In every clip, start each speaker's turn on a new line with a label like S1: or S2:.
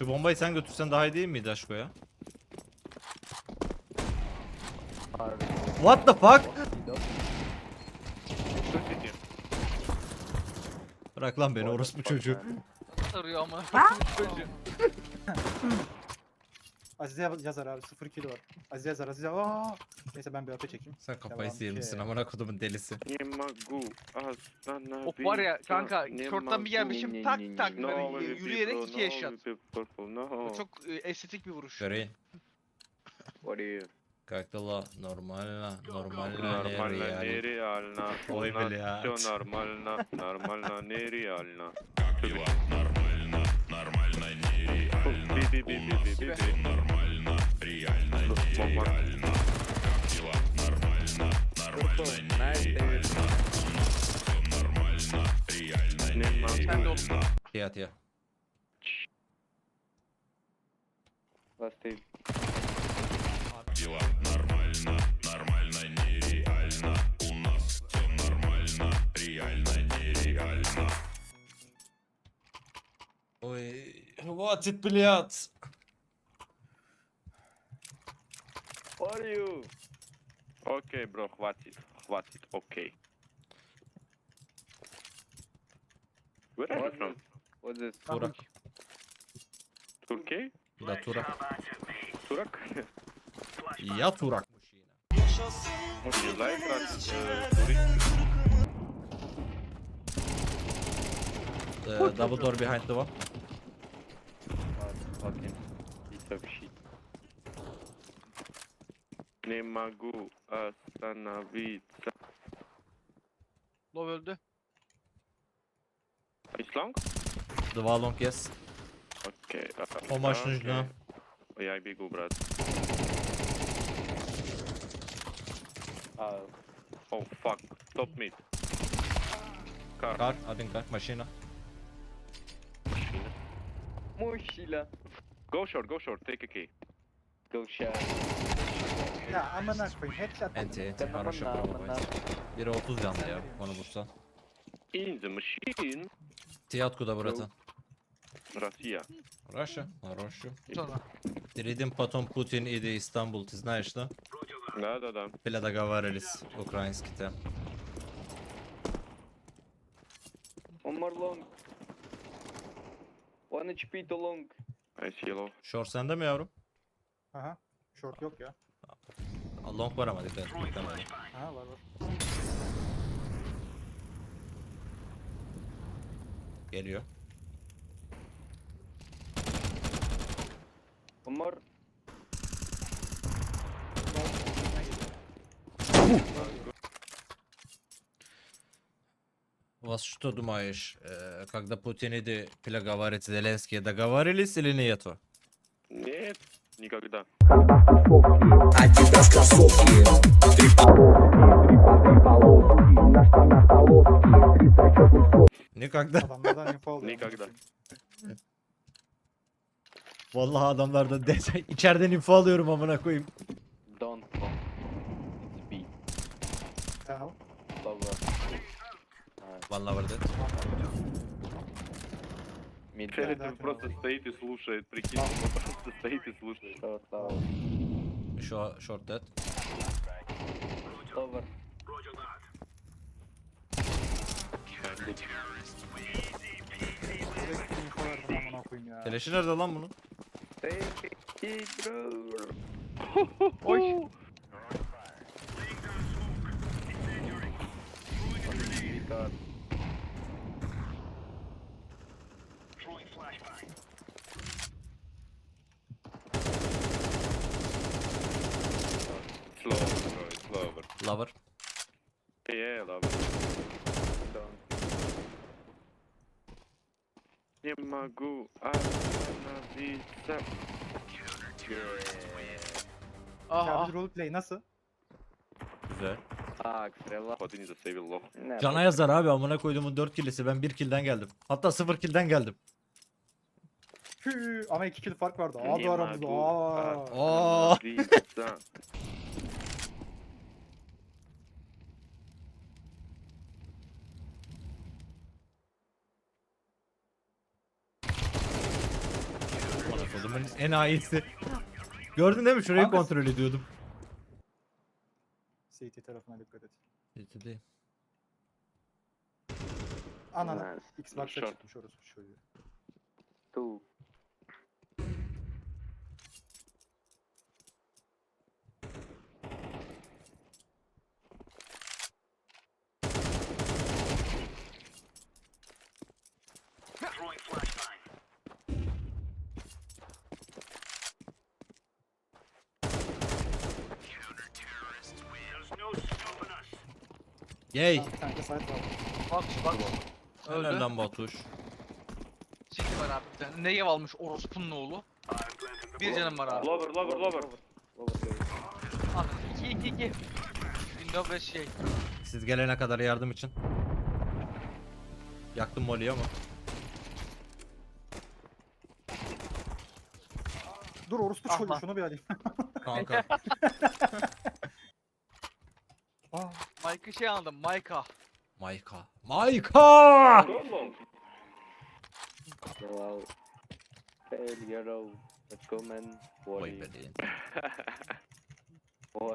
S1: Şu bombayı sen götürsen daha iyi değil miydi aşko ya? What the fuck? Bırak lan beni orospu çocuğu.
S2: Arıyor ama. Çocuğu.
S3: Azize yazar abi 0 kilo var. Azize yazar Azize. Aa! Neyse ben bir öpe çekeyim.
S1: Sen kafayı
S3: Devam
S1: sıyırmışsın
S3: ki.
S1: amına kodumun delisi.
S4: Не могу остановиться.
S2: Hop var ya kanka
S4: не
S2: şorttan bir
S4: могу.
S2: gelmişim tak tak böyle
S4: Новый
S2: yürüyerek
S4: Purple,
S2: 2 eşyat.
S4: новый Purple, no.
S2: Bu çok estetik bir vuruş.
S1: Göreyin.
S4: What are you?
S1: Как-то нормально, нормально,
S4: Нормально,
S1: нереально.
S4: нереально. У
S1: Ой,
S4: нас
S1: блядь.
S4: все нормально, нормально, нереально.
S5: Нормально, нормально, нереально.
S4: Би-би-би-би-би-би.
S5: Нормально, реально, нереально. Как дела? Нормально, нормально, нереально. Всё нормально, реально,
S4: Не могу.
S2: Sen de oğlum.
S1: Tiyat ya.
S4: Last aid.
S5: Дела нормально, нормально, нереально. У нас все нормально, реально, нереально.
S1: Ой, хватит, блядь.
S4: What are you? Окей, бро, хватит, хватит, окей. Where are you from?
S6: What's this?
S1: Turak.
S4: Turkey?
S1: Da Turak.
S4: Turak?
S1: Ya Turak.
S4: Would you like that? Turist?
S1: Double door behind the wall.
S4: Fucking piece of shit. Не могу остановиться.
S2: Lov öldü.
S4: It's long?
S1: The wall long, yes.
S4: Окей.
S1: Помощь нужна.
S4: Я бегу, брат. Oh fuck. Top mid. Car.
S1: Kar, один kar, машина.
S6: Mochila.
S4: Go short, take a key.
S6: Go shot.
S3: Ya amına koyayım headshot.
S1: Enti, хорошо пробовать. Biri 30 canlı ya, onu vursan.
S4: In the machine.
S1: Ты откуда, братан?
S4: Россия.
S1: Russia? Хорошо.
S2: Sonra.
S1: Перейдем потом Путин и Истанбул, ты знаешь, да?
S4: Да.
S1: Бля, договаривались, украинский-то.
S6: One more long. 1 HP to long.
S4: I see yellow.
S1: Short sende mi yavrum?
S3: Aha. Short yok ya.
S1: Long var ama dikkat et. Beklemedim.
S3: Aha var.
S1: Geliyor.
S6: One more.
S1: Вас что думаешь, когда Путин и говорит Зеленский, договорились или нету?
S4: Нет, никогда.
S7: Адидас кроссовки, три полоски, на штанах полоски, 3 зачетных слов.
S1: Никогда.
S3: Adamlardan info alıyor.
S4: Никогда.
S1: Vallahi adamlardan içeriden info alıyorum amına koyayım.
S6: Don't long. It's B.
S3: Tamam.
S6: Lower.
S1: Vallahi var dead.
S6: Mid.
S4: Ферри
S3: да,
S4: просто
S3: да.
S4: стоит и слушает, прикинь, он просто стоит и слушает.
S6: Short lower.
S1: Şu short dead.
S6: Lower.
S3: Direkt info verdim amına koyayım ya.
S1: Keleşi nerede lan bunun?
S6: Take it, bro.
S2: Oy.
S6: Because
S4: Slow, bro, it's slower.
S1: Lover.
S4: Yeah, love. Не могу остановиться.
S2: Aha.
S3: Charger roleplay nasıl?
S1: Güzel.
S6: relax.
S4: Один засейвил лох.
S6: Ne,
S1: Cana yazar abi amına koyduğumun 4 killisi, ben 1 killden geldim. Hatta 0 killden geldim.
S3: Hü, ama 2 kill fark vardı.
S4: Не
S3: Abi aramızda.
S4: могу
S3: Aa.
S4: остановиться.
S1: Oyunumun en iyisi. Gördün değil mi? Şurayı
S3: Kanka-
S1: kontrol ediyordum.
S3: CT tarafına dikkat et.
S1: Kötü değil.
S3: Anana.
S6: Nice.
S3: Xbox'a
S4: Short.
S3: çıkmış orası çocuğu.
S6: Two.
S1: Yay.
S3: Tamam, bir tane de site var.
S2: Bak.
S1: Helal
S2: Öldü.
S1: lan Batuş.
S2: City var abi bir tane. Negev almış orospunun oğlu. Bir canım var abi.
S4: Lover, lover, lover.
S2: Abi 2. Windows ve şey.
S1: Siz gelene kadar yardım için. Yaktım Molly'yi ama.
S3: Dur orospu
S2: Ah
S3: çocuğu
S2: lan.
S3: şunu bir alayım.
S1: Kanka.
S3: Aa,
S2: Mike'ı şey aldım. Mike'a.
S1: Mayka. Mayka!
S4: Go long.
S6: Wow. Failure. Let's go man.
S1: Oy
S6: What?
S1: be değil.
S6: What?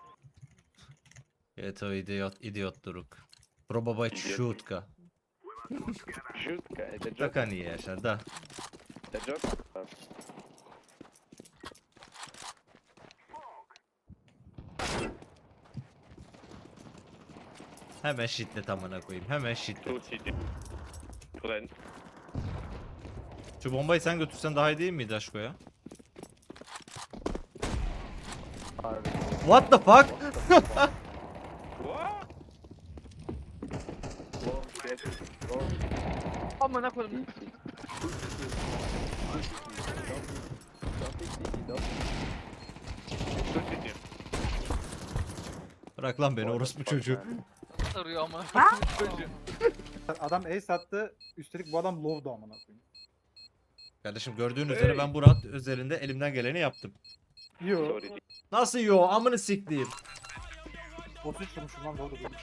S1: Evet o idiot duruk. Probabay şutka.
S6: Shoot guy. The joke.
S1: Taka niye yaşar da.
S6: The joke.
S1: Hemen shitlet amına koyayım. Hemen shitlet.
S4: Two city. Plant.
S1: Şu bombayı sen götürsen daha iyi değil miydi aşko ya? What the fuck?
S4: What?
S6: Long shit. Long.
S2: Amına koydum.
S4: Two city.
S1: Bırak lan beni orospu çocuğu.
S2: Arıyor amına koydum çocuğu.
S3: adam ace attı. Üstelik bu adam low'du amına koyayım.
S1: Kardeşim gördüğün üzere ben bu round özelinde elimden geleni yaptım.
S3: Yo.
S4: Sorry.
S1: Nasıl yo? Amını sikleyeyim.
S3: 33 vurmuşum lan low'du değilmiş.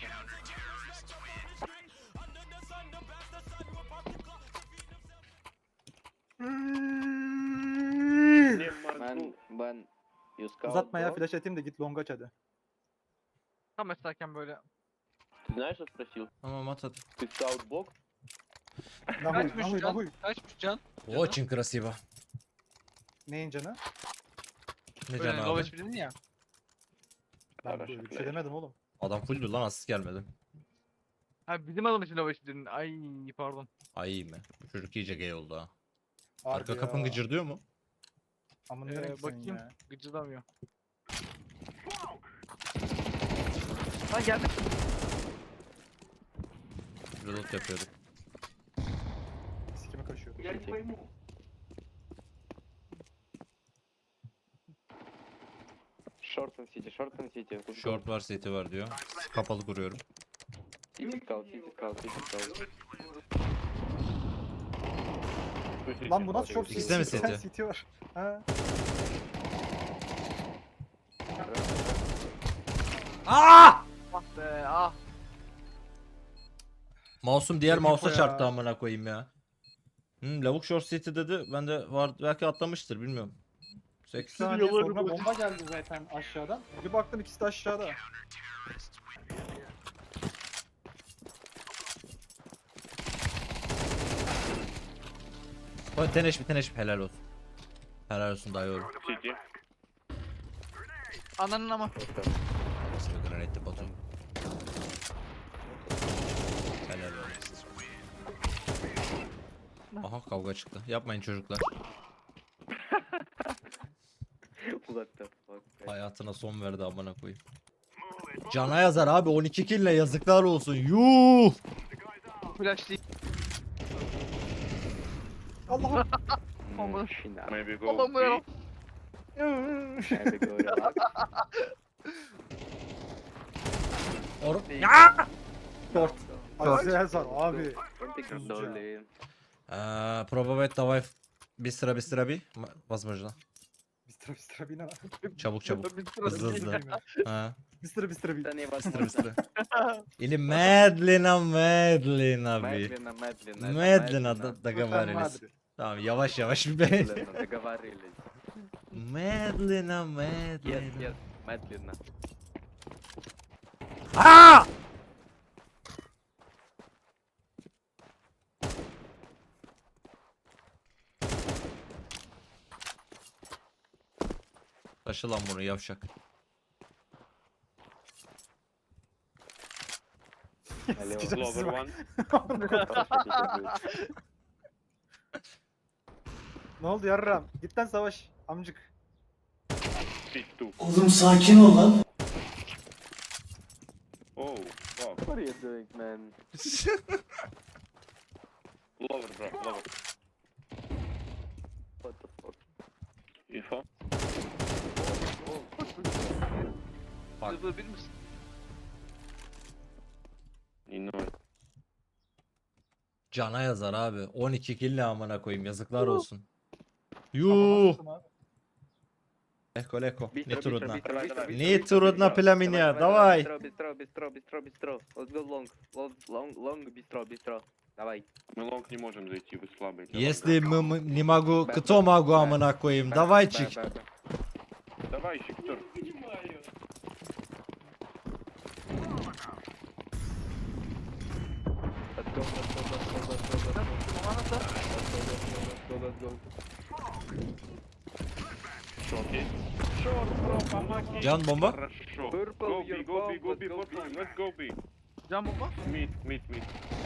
S4: Не могу.
S6: Man, you scout.
S3: Uzatma ya
S6: bro?
S3: flash atayım da git long aç hadi.
S2: Tam esnerken böyle.
S6: Ты знаешь, что спросил?
S1: Tamam at at.
S6: Ты scout box?
S3: Nahuy
S2: Kaçmış
S3: nahuy
S2: can?
S3: nahuy.
S2: Kaçmış can?
S1: Очень красиво.
S3: Neyin canı?
S1: Ne
S2: Böyle
S1: can
S2: low
S1: abi?
S2: HP dedin ya.
S3: Ben
S4: Araç
S3: böyle bir şey
S4: flash.
S3: demedim oğlum.
S1: Adam fulldü lan asist gelmedi.
S2: Ha bizim adam için low HP dedin. Ay pardon.
S1: Ay iyi mi? Bu çocuk iyice gay oldu ha.
S3: Harbi
S1: Arka
S3: ya.
S1: kapın gıcırdıyor mu?
S3: Amına ne renk senin
S2: Bakayım.
S3: ya.
S2: Gıcırdamıyor. Lan geldi.
S1: Reload yapıyorduk.
S3: Sikime kaşıyor.
S6: Short and city, short and city. Let's go.
S1: Short var, city var diyor. Kapalı kuruyorum.
S6: City scout, city scout, city scout.
S4: Two city.
S3: Lan bu nasıl short
S1: İkisi de mi
S3: city?
S1: city?
S3: City var. Ha.
S1: Aa!
S2: Ah be ah.
S1: Mouse'um diğer
S3: Çok
S1: mouse'a
S3: info
S1: çarptı
S3: ya.
S1: amına koyayım ya. Lavuk short city dedi. Ben de var belki atlamıştır bilmiyorum.
S3: 8
S1: 8
S3: saniye sonra bomba geldi zaten aşağıdan. Bir baktım ikisi de aşağıda.
S1: Teneş helal olsun. Helal olsun dayı oğlum.
S4: City.
S2: Ananın ama.
S1: Nasıl bir granatli Batu. Helal olsun. Aha kavga çıktı. Yapmayın çocuklar.
S6: What the fuck?
S1: Hayatına son verdi amına koyayım. Cana yazar abi 12 kille yazıklar olsun. Yuh!
S2: Flash değil.
S3: Allah'ım.
S2: Aman.
S6: Shina.
S4: Maybe go
S2: Allah'ım
S4: B.
S2: ya.
S6: Maybe go relax.
S1: Ya!
S3: Aziz Yazar abi.
S6: Take
S3: Hızlıca.
S6: dolly.
S1: Пробовать давай быстро. Возможно.
S3: Bistra bina.
S1: Çabuk.
S2: Bir
S1: Hızlı hızlı. Ha,
S3: Bistra bina.
S6: Да невозможно.
S1: bыстро. Или медленно, abi.
S6: Медленно, медленно.
S1: Медленно договаривались. Tamam yavaş yavaş bir be.
S6: Ладно, договорились.
S1: Медленно,
S6: Yes,
S1: медленно.
S6: yes, медленно.
S1: Aa! Taşı lan bunu yavşak.
S6: Налево.
S3: Sikeceğim sizi
S4: Lower
S3: bak.
S4: one.
S3: Ne oldu yarram? Git lan savaş amcık.
S4: Pit two.
S7: Oğlum sakin ol lan.
S4: Oh, wow.
S6: What are you doing, man?
S4: Lower, bro, lower.
S6: What the fuck?
S4: Info.
S1: Bak.
S2: Zıvır bir misin?
S4: You know it.
S1: Cana yazar abi. 12 kill ne amına koyayım yazıklar olsun. Yuh. Leko leko.
S6: Быстро,
S1: Не
S6: быстро,
S1: трудно.
S6: быстро, быстро, быстро,
S1: Не
S6: быстро,
S1: трудно
S6: быстро.
S1: для меня.
S6: Давай,
S1: Давай.
S6: Быстро, быстро, быстро, быстро, быстро. Let's go long. Long, быстро, быстро. Давай.
S4: Мы лонг не можем зайти, вы слабые. для
S1: Если
S4: лонга.
S1: не могу, кто могу амına koyayım? Давайчик.
S4: Давай, Виктор.
S6: Let's go, let's go, let's go, let's go, let's go. Let's go, let's go, let's go.
S4: Short есть? Short, bro, помоги.
S1: Can bomba.
S4: Хорошо.
S6: Purple,
S4: Go B,
S6: your
S4: go B,
S6: bomb,
S4: go
S6: let's
S4: B,
S6: go
S4: for
S6: B.
S4: time. Let's go B.
S2: Can bomba.
S4: Mid, mid, mid.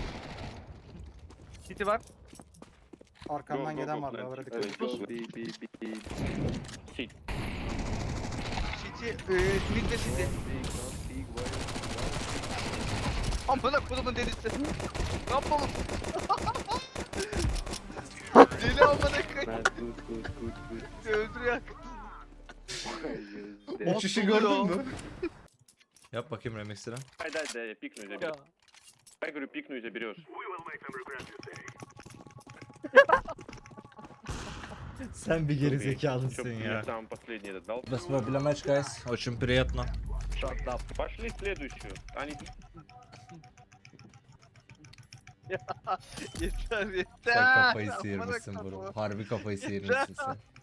S2: City var.
S3: Arkamdan
S4: Go, go,
S3: gelen
S4: go,
S3: var.
S4: plant.
S3: Davara dikkat
S6: Let's
S3: et.
S6: go, B, B, B.
S4: Sit.
S2: City, mid ve City.
S6: Don't speak, why?
S2: Amına kodumun delisi. Ne yapalım? Deli amına koyayım.
S6: Man, good.
S2: Öldürüyor.
S1: Uçuşu gördün mü? Yap bakayım remix'ini.
S4: Дай, дай, дай, я пикну и
S2: Ya.
S4: заберешь. Я говорю, пикну и заберешь.
S1: Sen bir gerizekalısın
S4: Чтоб
S1: ya.
S4: мне сам последний этот дал.
S1: Без проблем, guys. Очень приятно.
S6: Shut up.
S4: Пошли следующую. Они...
S2: Yeter yeter.
S1: Sen kafayı
S2: Amına
S1: sıyırmışsın bro.
S2: koyayım.
S1: Harbi kafayı sıyırmışsın sen.